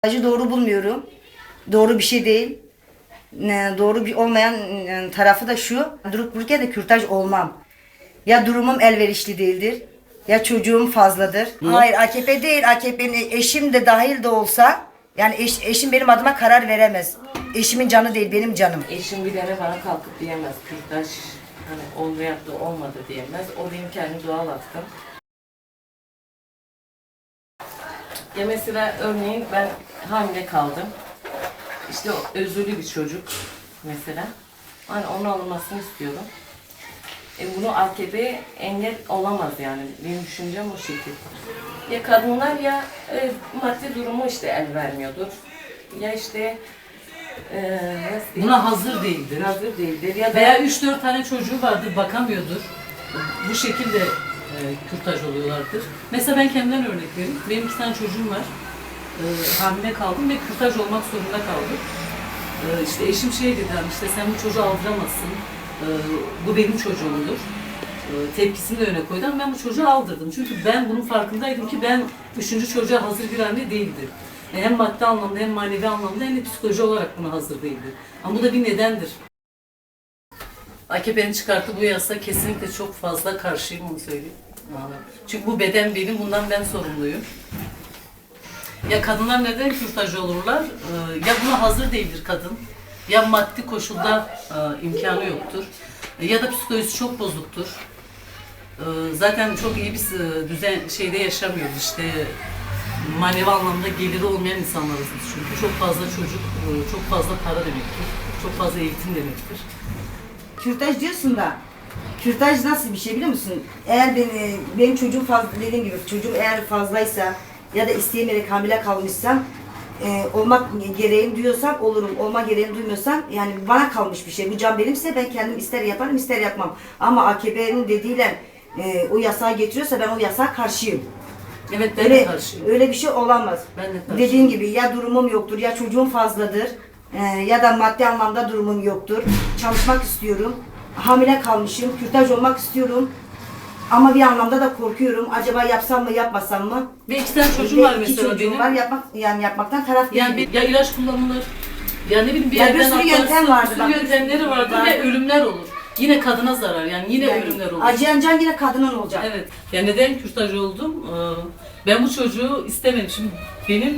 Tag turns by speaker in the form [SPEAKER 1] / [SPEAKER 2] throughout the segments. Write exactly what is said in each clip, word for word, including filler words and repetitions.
[SPEAKER 1] Acı doğru bulmuyorum. Doğru bir şey değil. Ne- Doğru bir olmayan e, tarafı da şu. Durup dururken de kürtaj olmam. Ya durumum elverişli değildir. Ya çocuğum fazladır. Hayır, A K P değil. A K P'nin eşim de dahil de olsa yani eş- eşim benim adıma karar veremez. Eşimin canı değil, benim canım.
[SPEAKER 2] Eşim bir tane bana kalkıp diyemez. Kürtaj hani oldu yaptı olmadı diyemez. O benim kendi doğal hakkım. Ya mesela örneğin ben hamile kaldım. İşte o özürlü bir çocuk mesela. Hani onun alınmasını istiyorum. E bunu A K P engel olamaz yani. Benim düşüncem o şekilde. Ya kadınlar ya e, maddi durumu işte el vermiyordur. Ya işte e, nasıl diyeyim?
[SPEAKER 3] Buna hazır değildir.
[SPEAKER 2] Hazır değildir. Ya da
[SPEAKER 3] Veya üç dört tane çocuğu vardır, bakamıyordur. Bu şekilde e, kürtaj oluyorlardır. Mesela ben kendimden örnek vereyim. Benim iki tane çocuğum var. E, hamile kaldım ve kürtaj olmak zorunda kaldım. E, işte eşim şey dedi, hani işte sen bu çocuğu aldıramazsın. E, bu benim çocuğumdur. E, tepkisini de öne koydum. Ben bu çocuğu aldırdım. Çünkü ben bunun farkındaydım ki ben üçüncü çocuğa hazır bir anne değildim. Hem maddi anlamda hem manevi anlamda hem de psikoloji olarak buna hazır değildi. Ama bu da bir nedendir. A K P'nin çıkarttığı bu yasa kesinlikle çok fazla karşıyım, onu söyleyeyim. Çünkü bu beden benim, bundan ben sorumluyum. Ya kadınlar neden kürtaj olurlar? Ya buna hazır değildir kadın, ya maddi koşulda imkanı yoktur, ya da psikolojisi çok bozuktur. Zaten çok iyi bir düzen şeyde yaşamıyoruz işte. Manevi anlamda geliri olmayan insanlarız biz çünkü. Çok fazla çocuk, çok fazla para demektir. Çok fazla eğitim demektir.
[SPEAKER 1] Kürtaj diyorsun da kürtaj nasıl bir şey biliyor musun? Eğer beni, benim çocuğum fazla, dediğim gibi çocuğum eğer fazlaysa ya da isteyemeyerek hamile kalmışsam e, olmak gereğini duyuyorsam olurum. Olma gereğini duymuyorsam yani bana kalmış bir şey. Bu can benimse ben kendim ister yaparım ister yapmam. Ama A K P'nin dediğiyle e, o yasağı getiriyorsa ben o yasağa karşıyım.
[SPEAKER 3] Evet, ben
[SPEAKER 1] Öyle,
[SPEAKER 3] de karşıyım.
[SPEAKER 1] öyle bir şey olamaz.
[SPEAKER 3] Ben de karşıyım.
[SPEAKER 1] Dediğim gibi ya durumum yoktur ya çocuğum fazladır e, ya da maddi anlamda durumum yoktur. Çalışmak istiyorum. Hamile kalmışım. Kürtaj olmak istiyorum. Ama bir anlamda da korkuyorum. Acaba yapsam mı yapmasam mı?
[SPEAKER 3] Ve iki tane çocuğum
[SPEAKER 1] Ve
[SPEAKER 3] var
[SPEAKER 1] iki
[SPEAKER 3] mesela
[SPEAKER 1] çocuğum
[SPEAKER 3] benim.
[SPEAKER 1] var. Yapmak, yani yapmaktan taraf değilim.
[SPEAKER 3] Yani bir, ya ilaç kullanılır, ya ne bileyim bir
[SPEAKER 1] Ya bir
[SPEAKER 3] yerden
[SPEAKER 1] sürü
[SPEAKER 3] atlarsın,
[SPEAKER 1] yöntem vardır,
[SPEAKER 3] bir sürü
[SPEAKER 1] bak.
[SPEAKER 3] yöntemleri vardır
[SPEAKER 1] Var.
[SPEAKER 3] ve ölümler olur. Yine kadına zarar, yani yine
[SPEAKER 1] Yani
[SPEAKER 3] ölümler olur.
[SPEAKER 1] acıyan can yine kadının olacak.
[SPEAKER 3] Evet. Yani neden kürtaj oldum? Ee, Ben bu çocuğu istemedim. Şimdi benim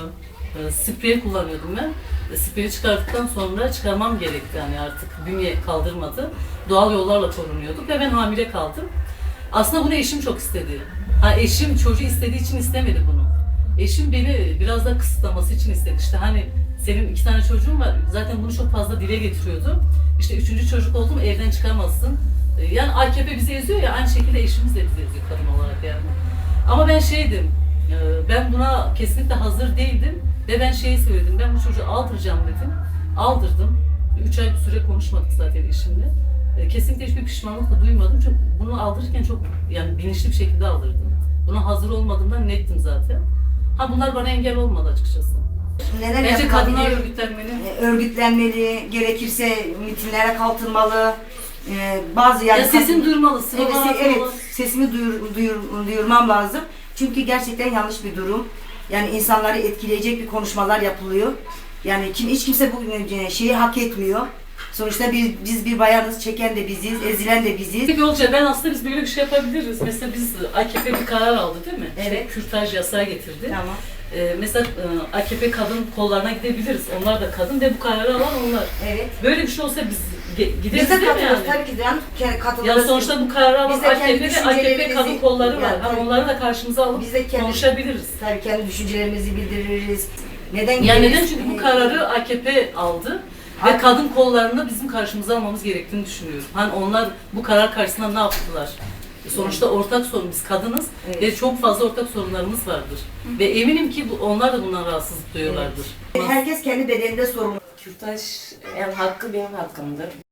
[SPEAKER 3] e, e, sprey kullanıyordum ben. E, Spreyi çıkarttıktan sonra çıkarmam gerekti, yani artık bünye kaldırmadı. Doğal yollarla korunuyorduk ve ben hamile kaldım. Aslında bunu eşim çok istedi. Ha, eşim çocuğu istediği için istemedi bunu. Eşim beni biraz da kısıtlaması için istedi. İşte hani senin iki tane çocuğun var. Zaten bunu çok fazla dile getiriyordu. İşte üçüncü çocuk oldu mu evden çıkamazsın. E, Yani A K P bizi eziyor ya, aynı şekilde eşimiz de bizi eziyor kadın olarak yani. Ama ben şeydim, e, ben buna kesinlikle hazır değildim ve ben şeyi söyledim, ben bu çocuğu aldıracağım dedim. Aldırdım. Üç ay bir süre konuşmadık zaten eşimle. E, Kesinlikle hiçbir pişmanlık da duymadım. Çünkü bunu aldırırken çok yani bilinçli bir şekilde aldırdım. Buna hazır olmadığımdan nettim zaten. Ha, bunlar bana engel olmadı açıkçası.
[SPEAKER 1] Neler
[SPEAKER 3] Bence kadınlar
[SPEAKER 1] yapılabilir?
[SPEAKER 3] örgütlenmeli.
[SPEAKER 1] E, örgütlenmeli, gerekirse mitinglere kalkılmalı. E, bazı yani
[SPEAKER 3] Ya sesin duyurmalı,
[SPEAKER 1] Evet,
[SPEAKER 3] sıralar
[SPEAKER 1] se- evet,
[SPEAKER 3] atmalı.
[SPEAKER 1] sesimi duyur, duyur, duyurmam lazım. Çünkü gerçekten yanlış bir durum. Yani insanları etkileyecek bir konuşmalar yapılıyor. Yani kim hiç kimse bu e, şeyi hak etmiyor. Sonuçta biz, biz bir bayanız, çeken de biziz, ezilen de biziz.
[SPEAKER 3] Peki Olca, ben aslında biz böyle bir şey yapabiliriz. Mesela biz A K P bir karar aldı değil mi?
[SPEAKER 1] Evet.
[SPEAKER 3] İşte kürtaj yasağı getirdi.
[SPEAKER 1] Tamam.
[SPEAKER 3] Ee, mesela e, A K P kadın kollarına gidebiliriz. Onlar da kadın ve bu kararı alan onlar.
[SPEAKER 1] Evet.
[SPEAKER 3] Böyle bir şey olsa biz ge-
[SPEAKER 1] Biz
[SPEAKER 3] gideriz
[SPEAKER 1] de
[SPEAKER 3] değil mi
[SPEAKER 1] katılırız
[SPEAKER 3] yani?
[SPEAKER 1] tabii ki de. Yani katılırız.
[SPEAKER 3] Ya sonuçta bu kararı alan
[SPEAKER 1] Biz de
[SPEAKER 3] A K
[SPEAKER 1] kendi
[SPEAKER 3] P ve A K P
[SPEAKER 1] düşüncelerimizi-
[SPEAKER 3] kadın kolları var.
[SPEAKER 1] Yani
[SPEAKER 3] Hani
[SPEAKER 1] tabii.
[SPEAKER 3] onları da karşımıza alıp
[SPEAKER 1] Biz de kendi-
[SPEAKER 3] konuşabiliriz.
[SPEAKER 1] Tabii kendi düşüncelerimizi bildiririz. Neden
[SPEAKER 3] Yani
[SPEAKER 1] gideriz?
[SPEAKER 3] neden? Çünkü bu kararı A K P aldı ve
[SPEAKER 1] A-
[SPEAKER 3] kadın kollarını bizim karşımıza almamız gerektiğini düşünüyorum. Hani onlar bu karar karşısında ne yaptılar? Sonuçta ortak sorun, biz kadınız
[SPEAKER 1] Evet.
[SPEAKER 3] ve çok fazla ortak sorunlarımız vardır. Ve eminim ki bu, onlar da bundan rahatsızlık duyuyorlardır.
[SPEAKER 1] Herkes kendi bedeninde sorumlu.
[SPEAKER 2] kürtaj yani hakkı benim hakkımdır.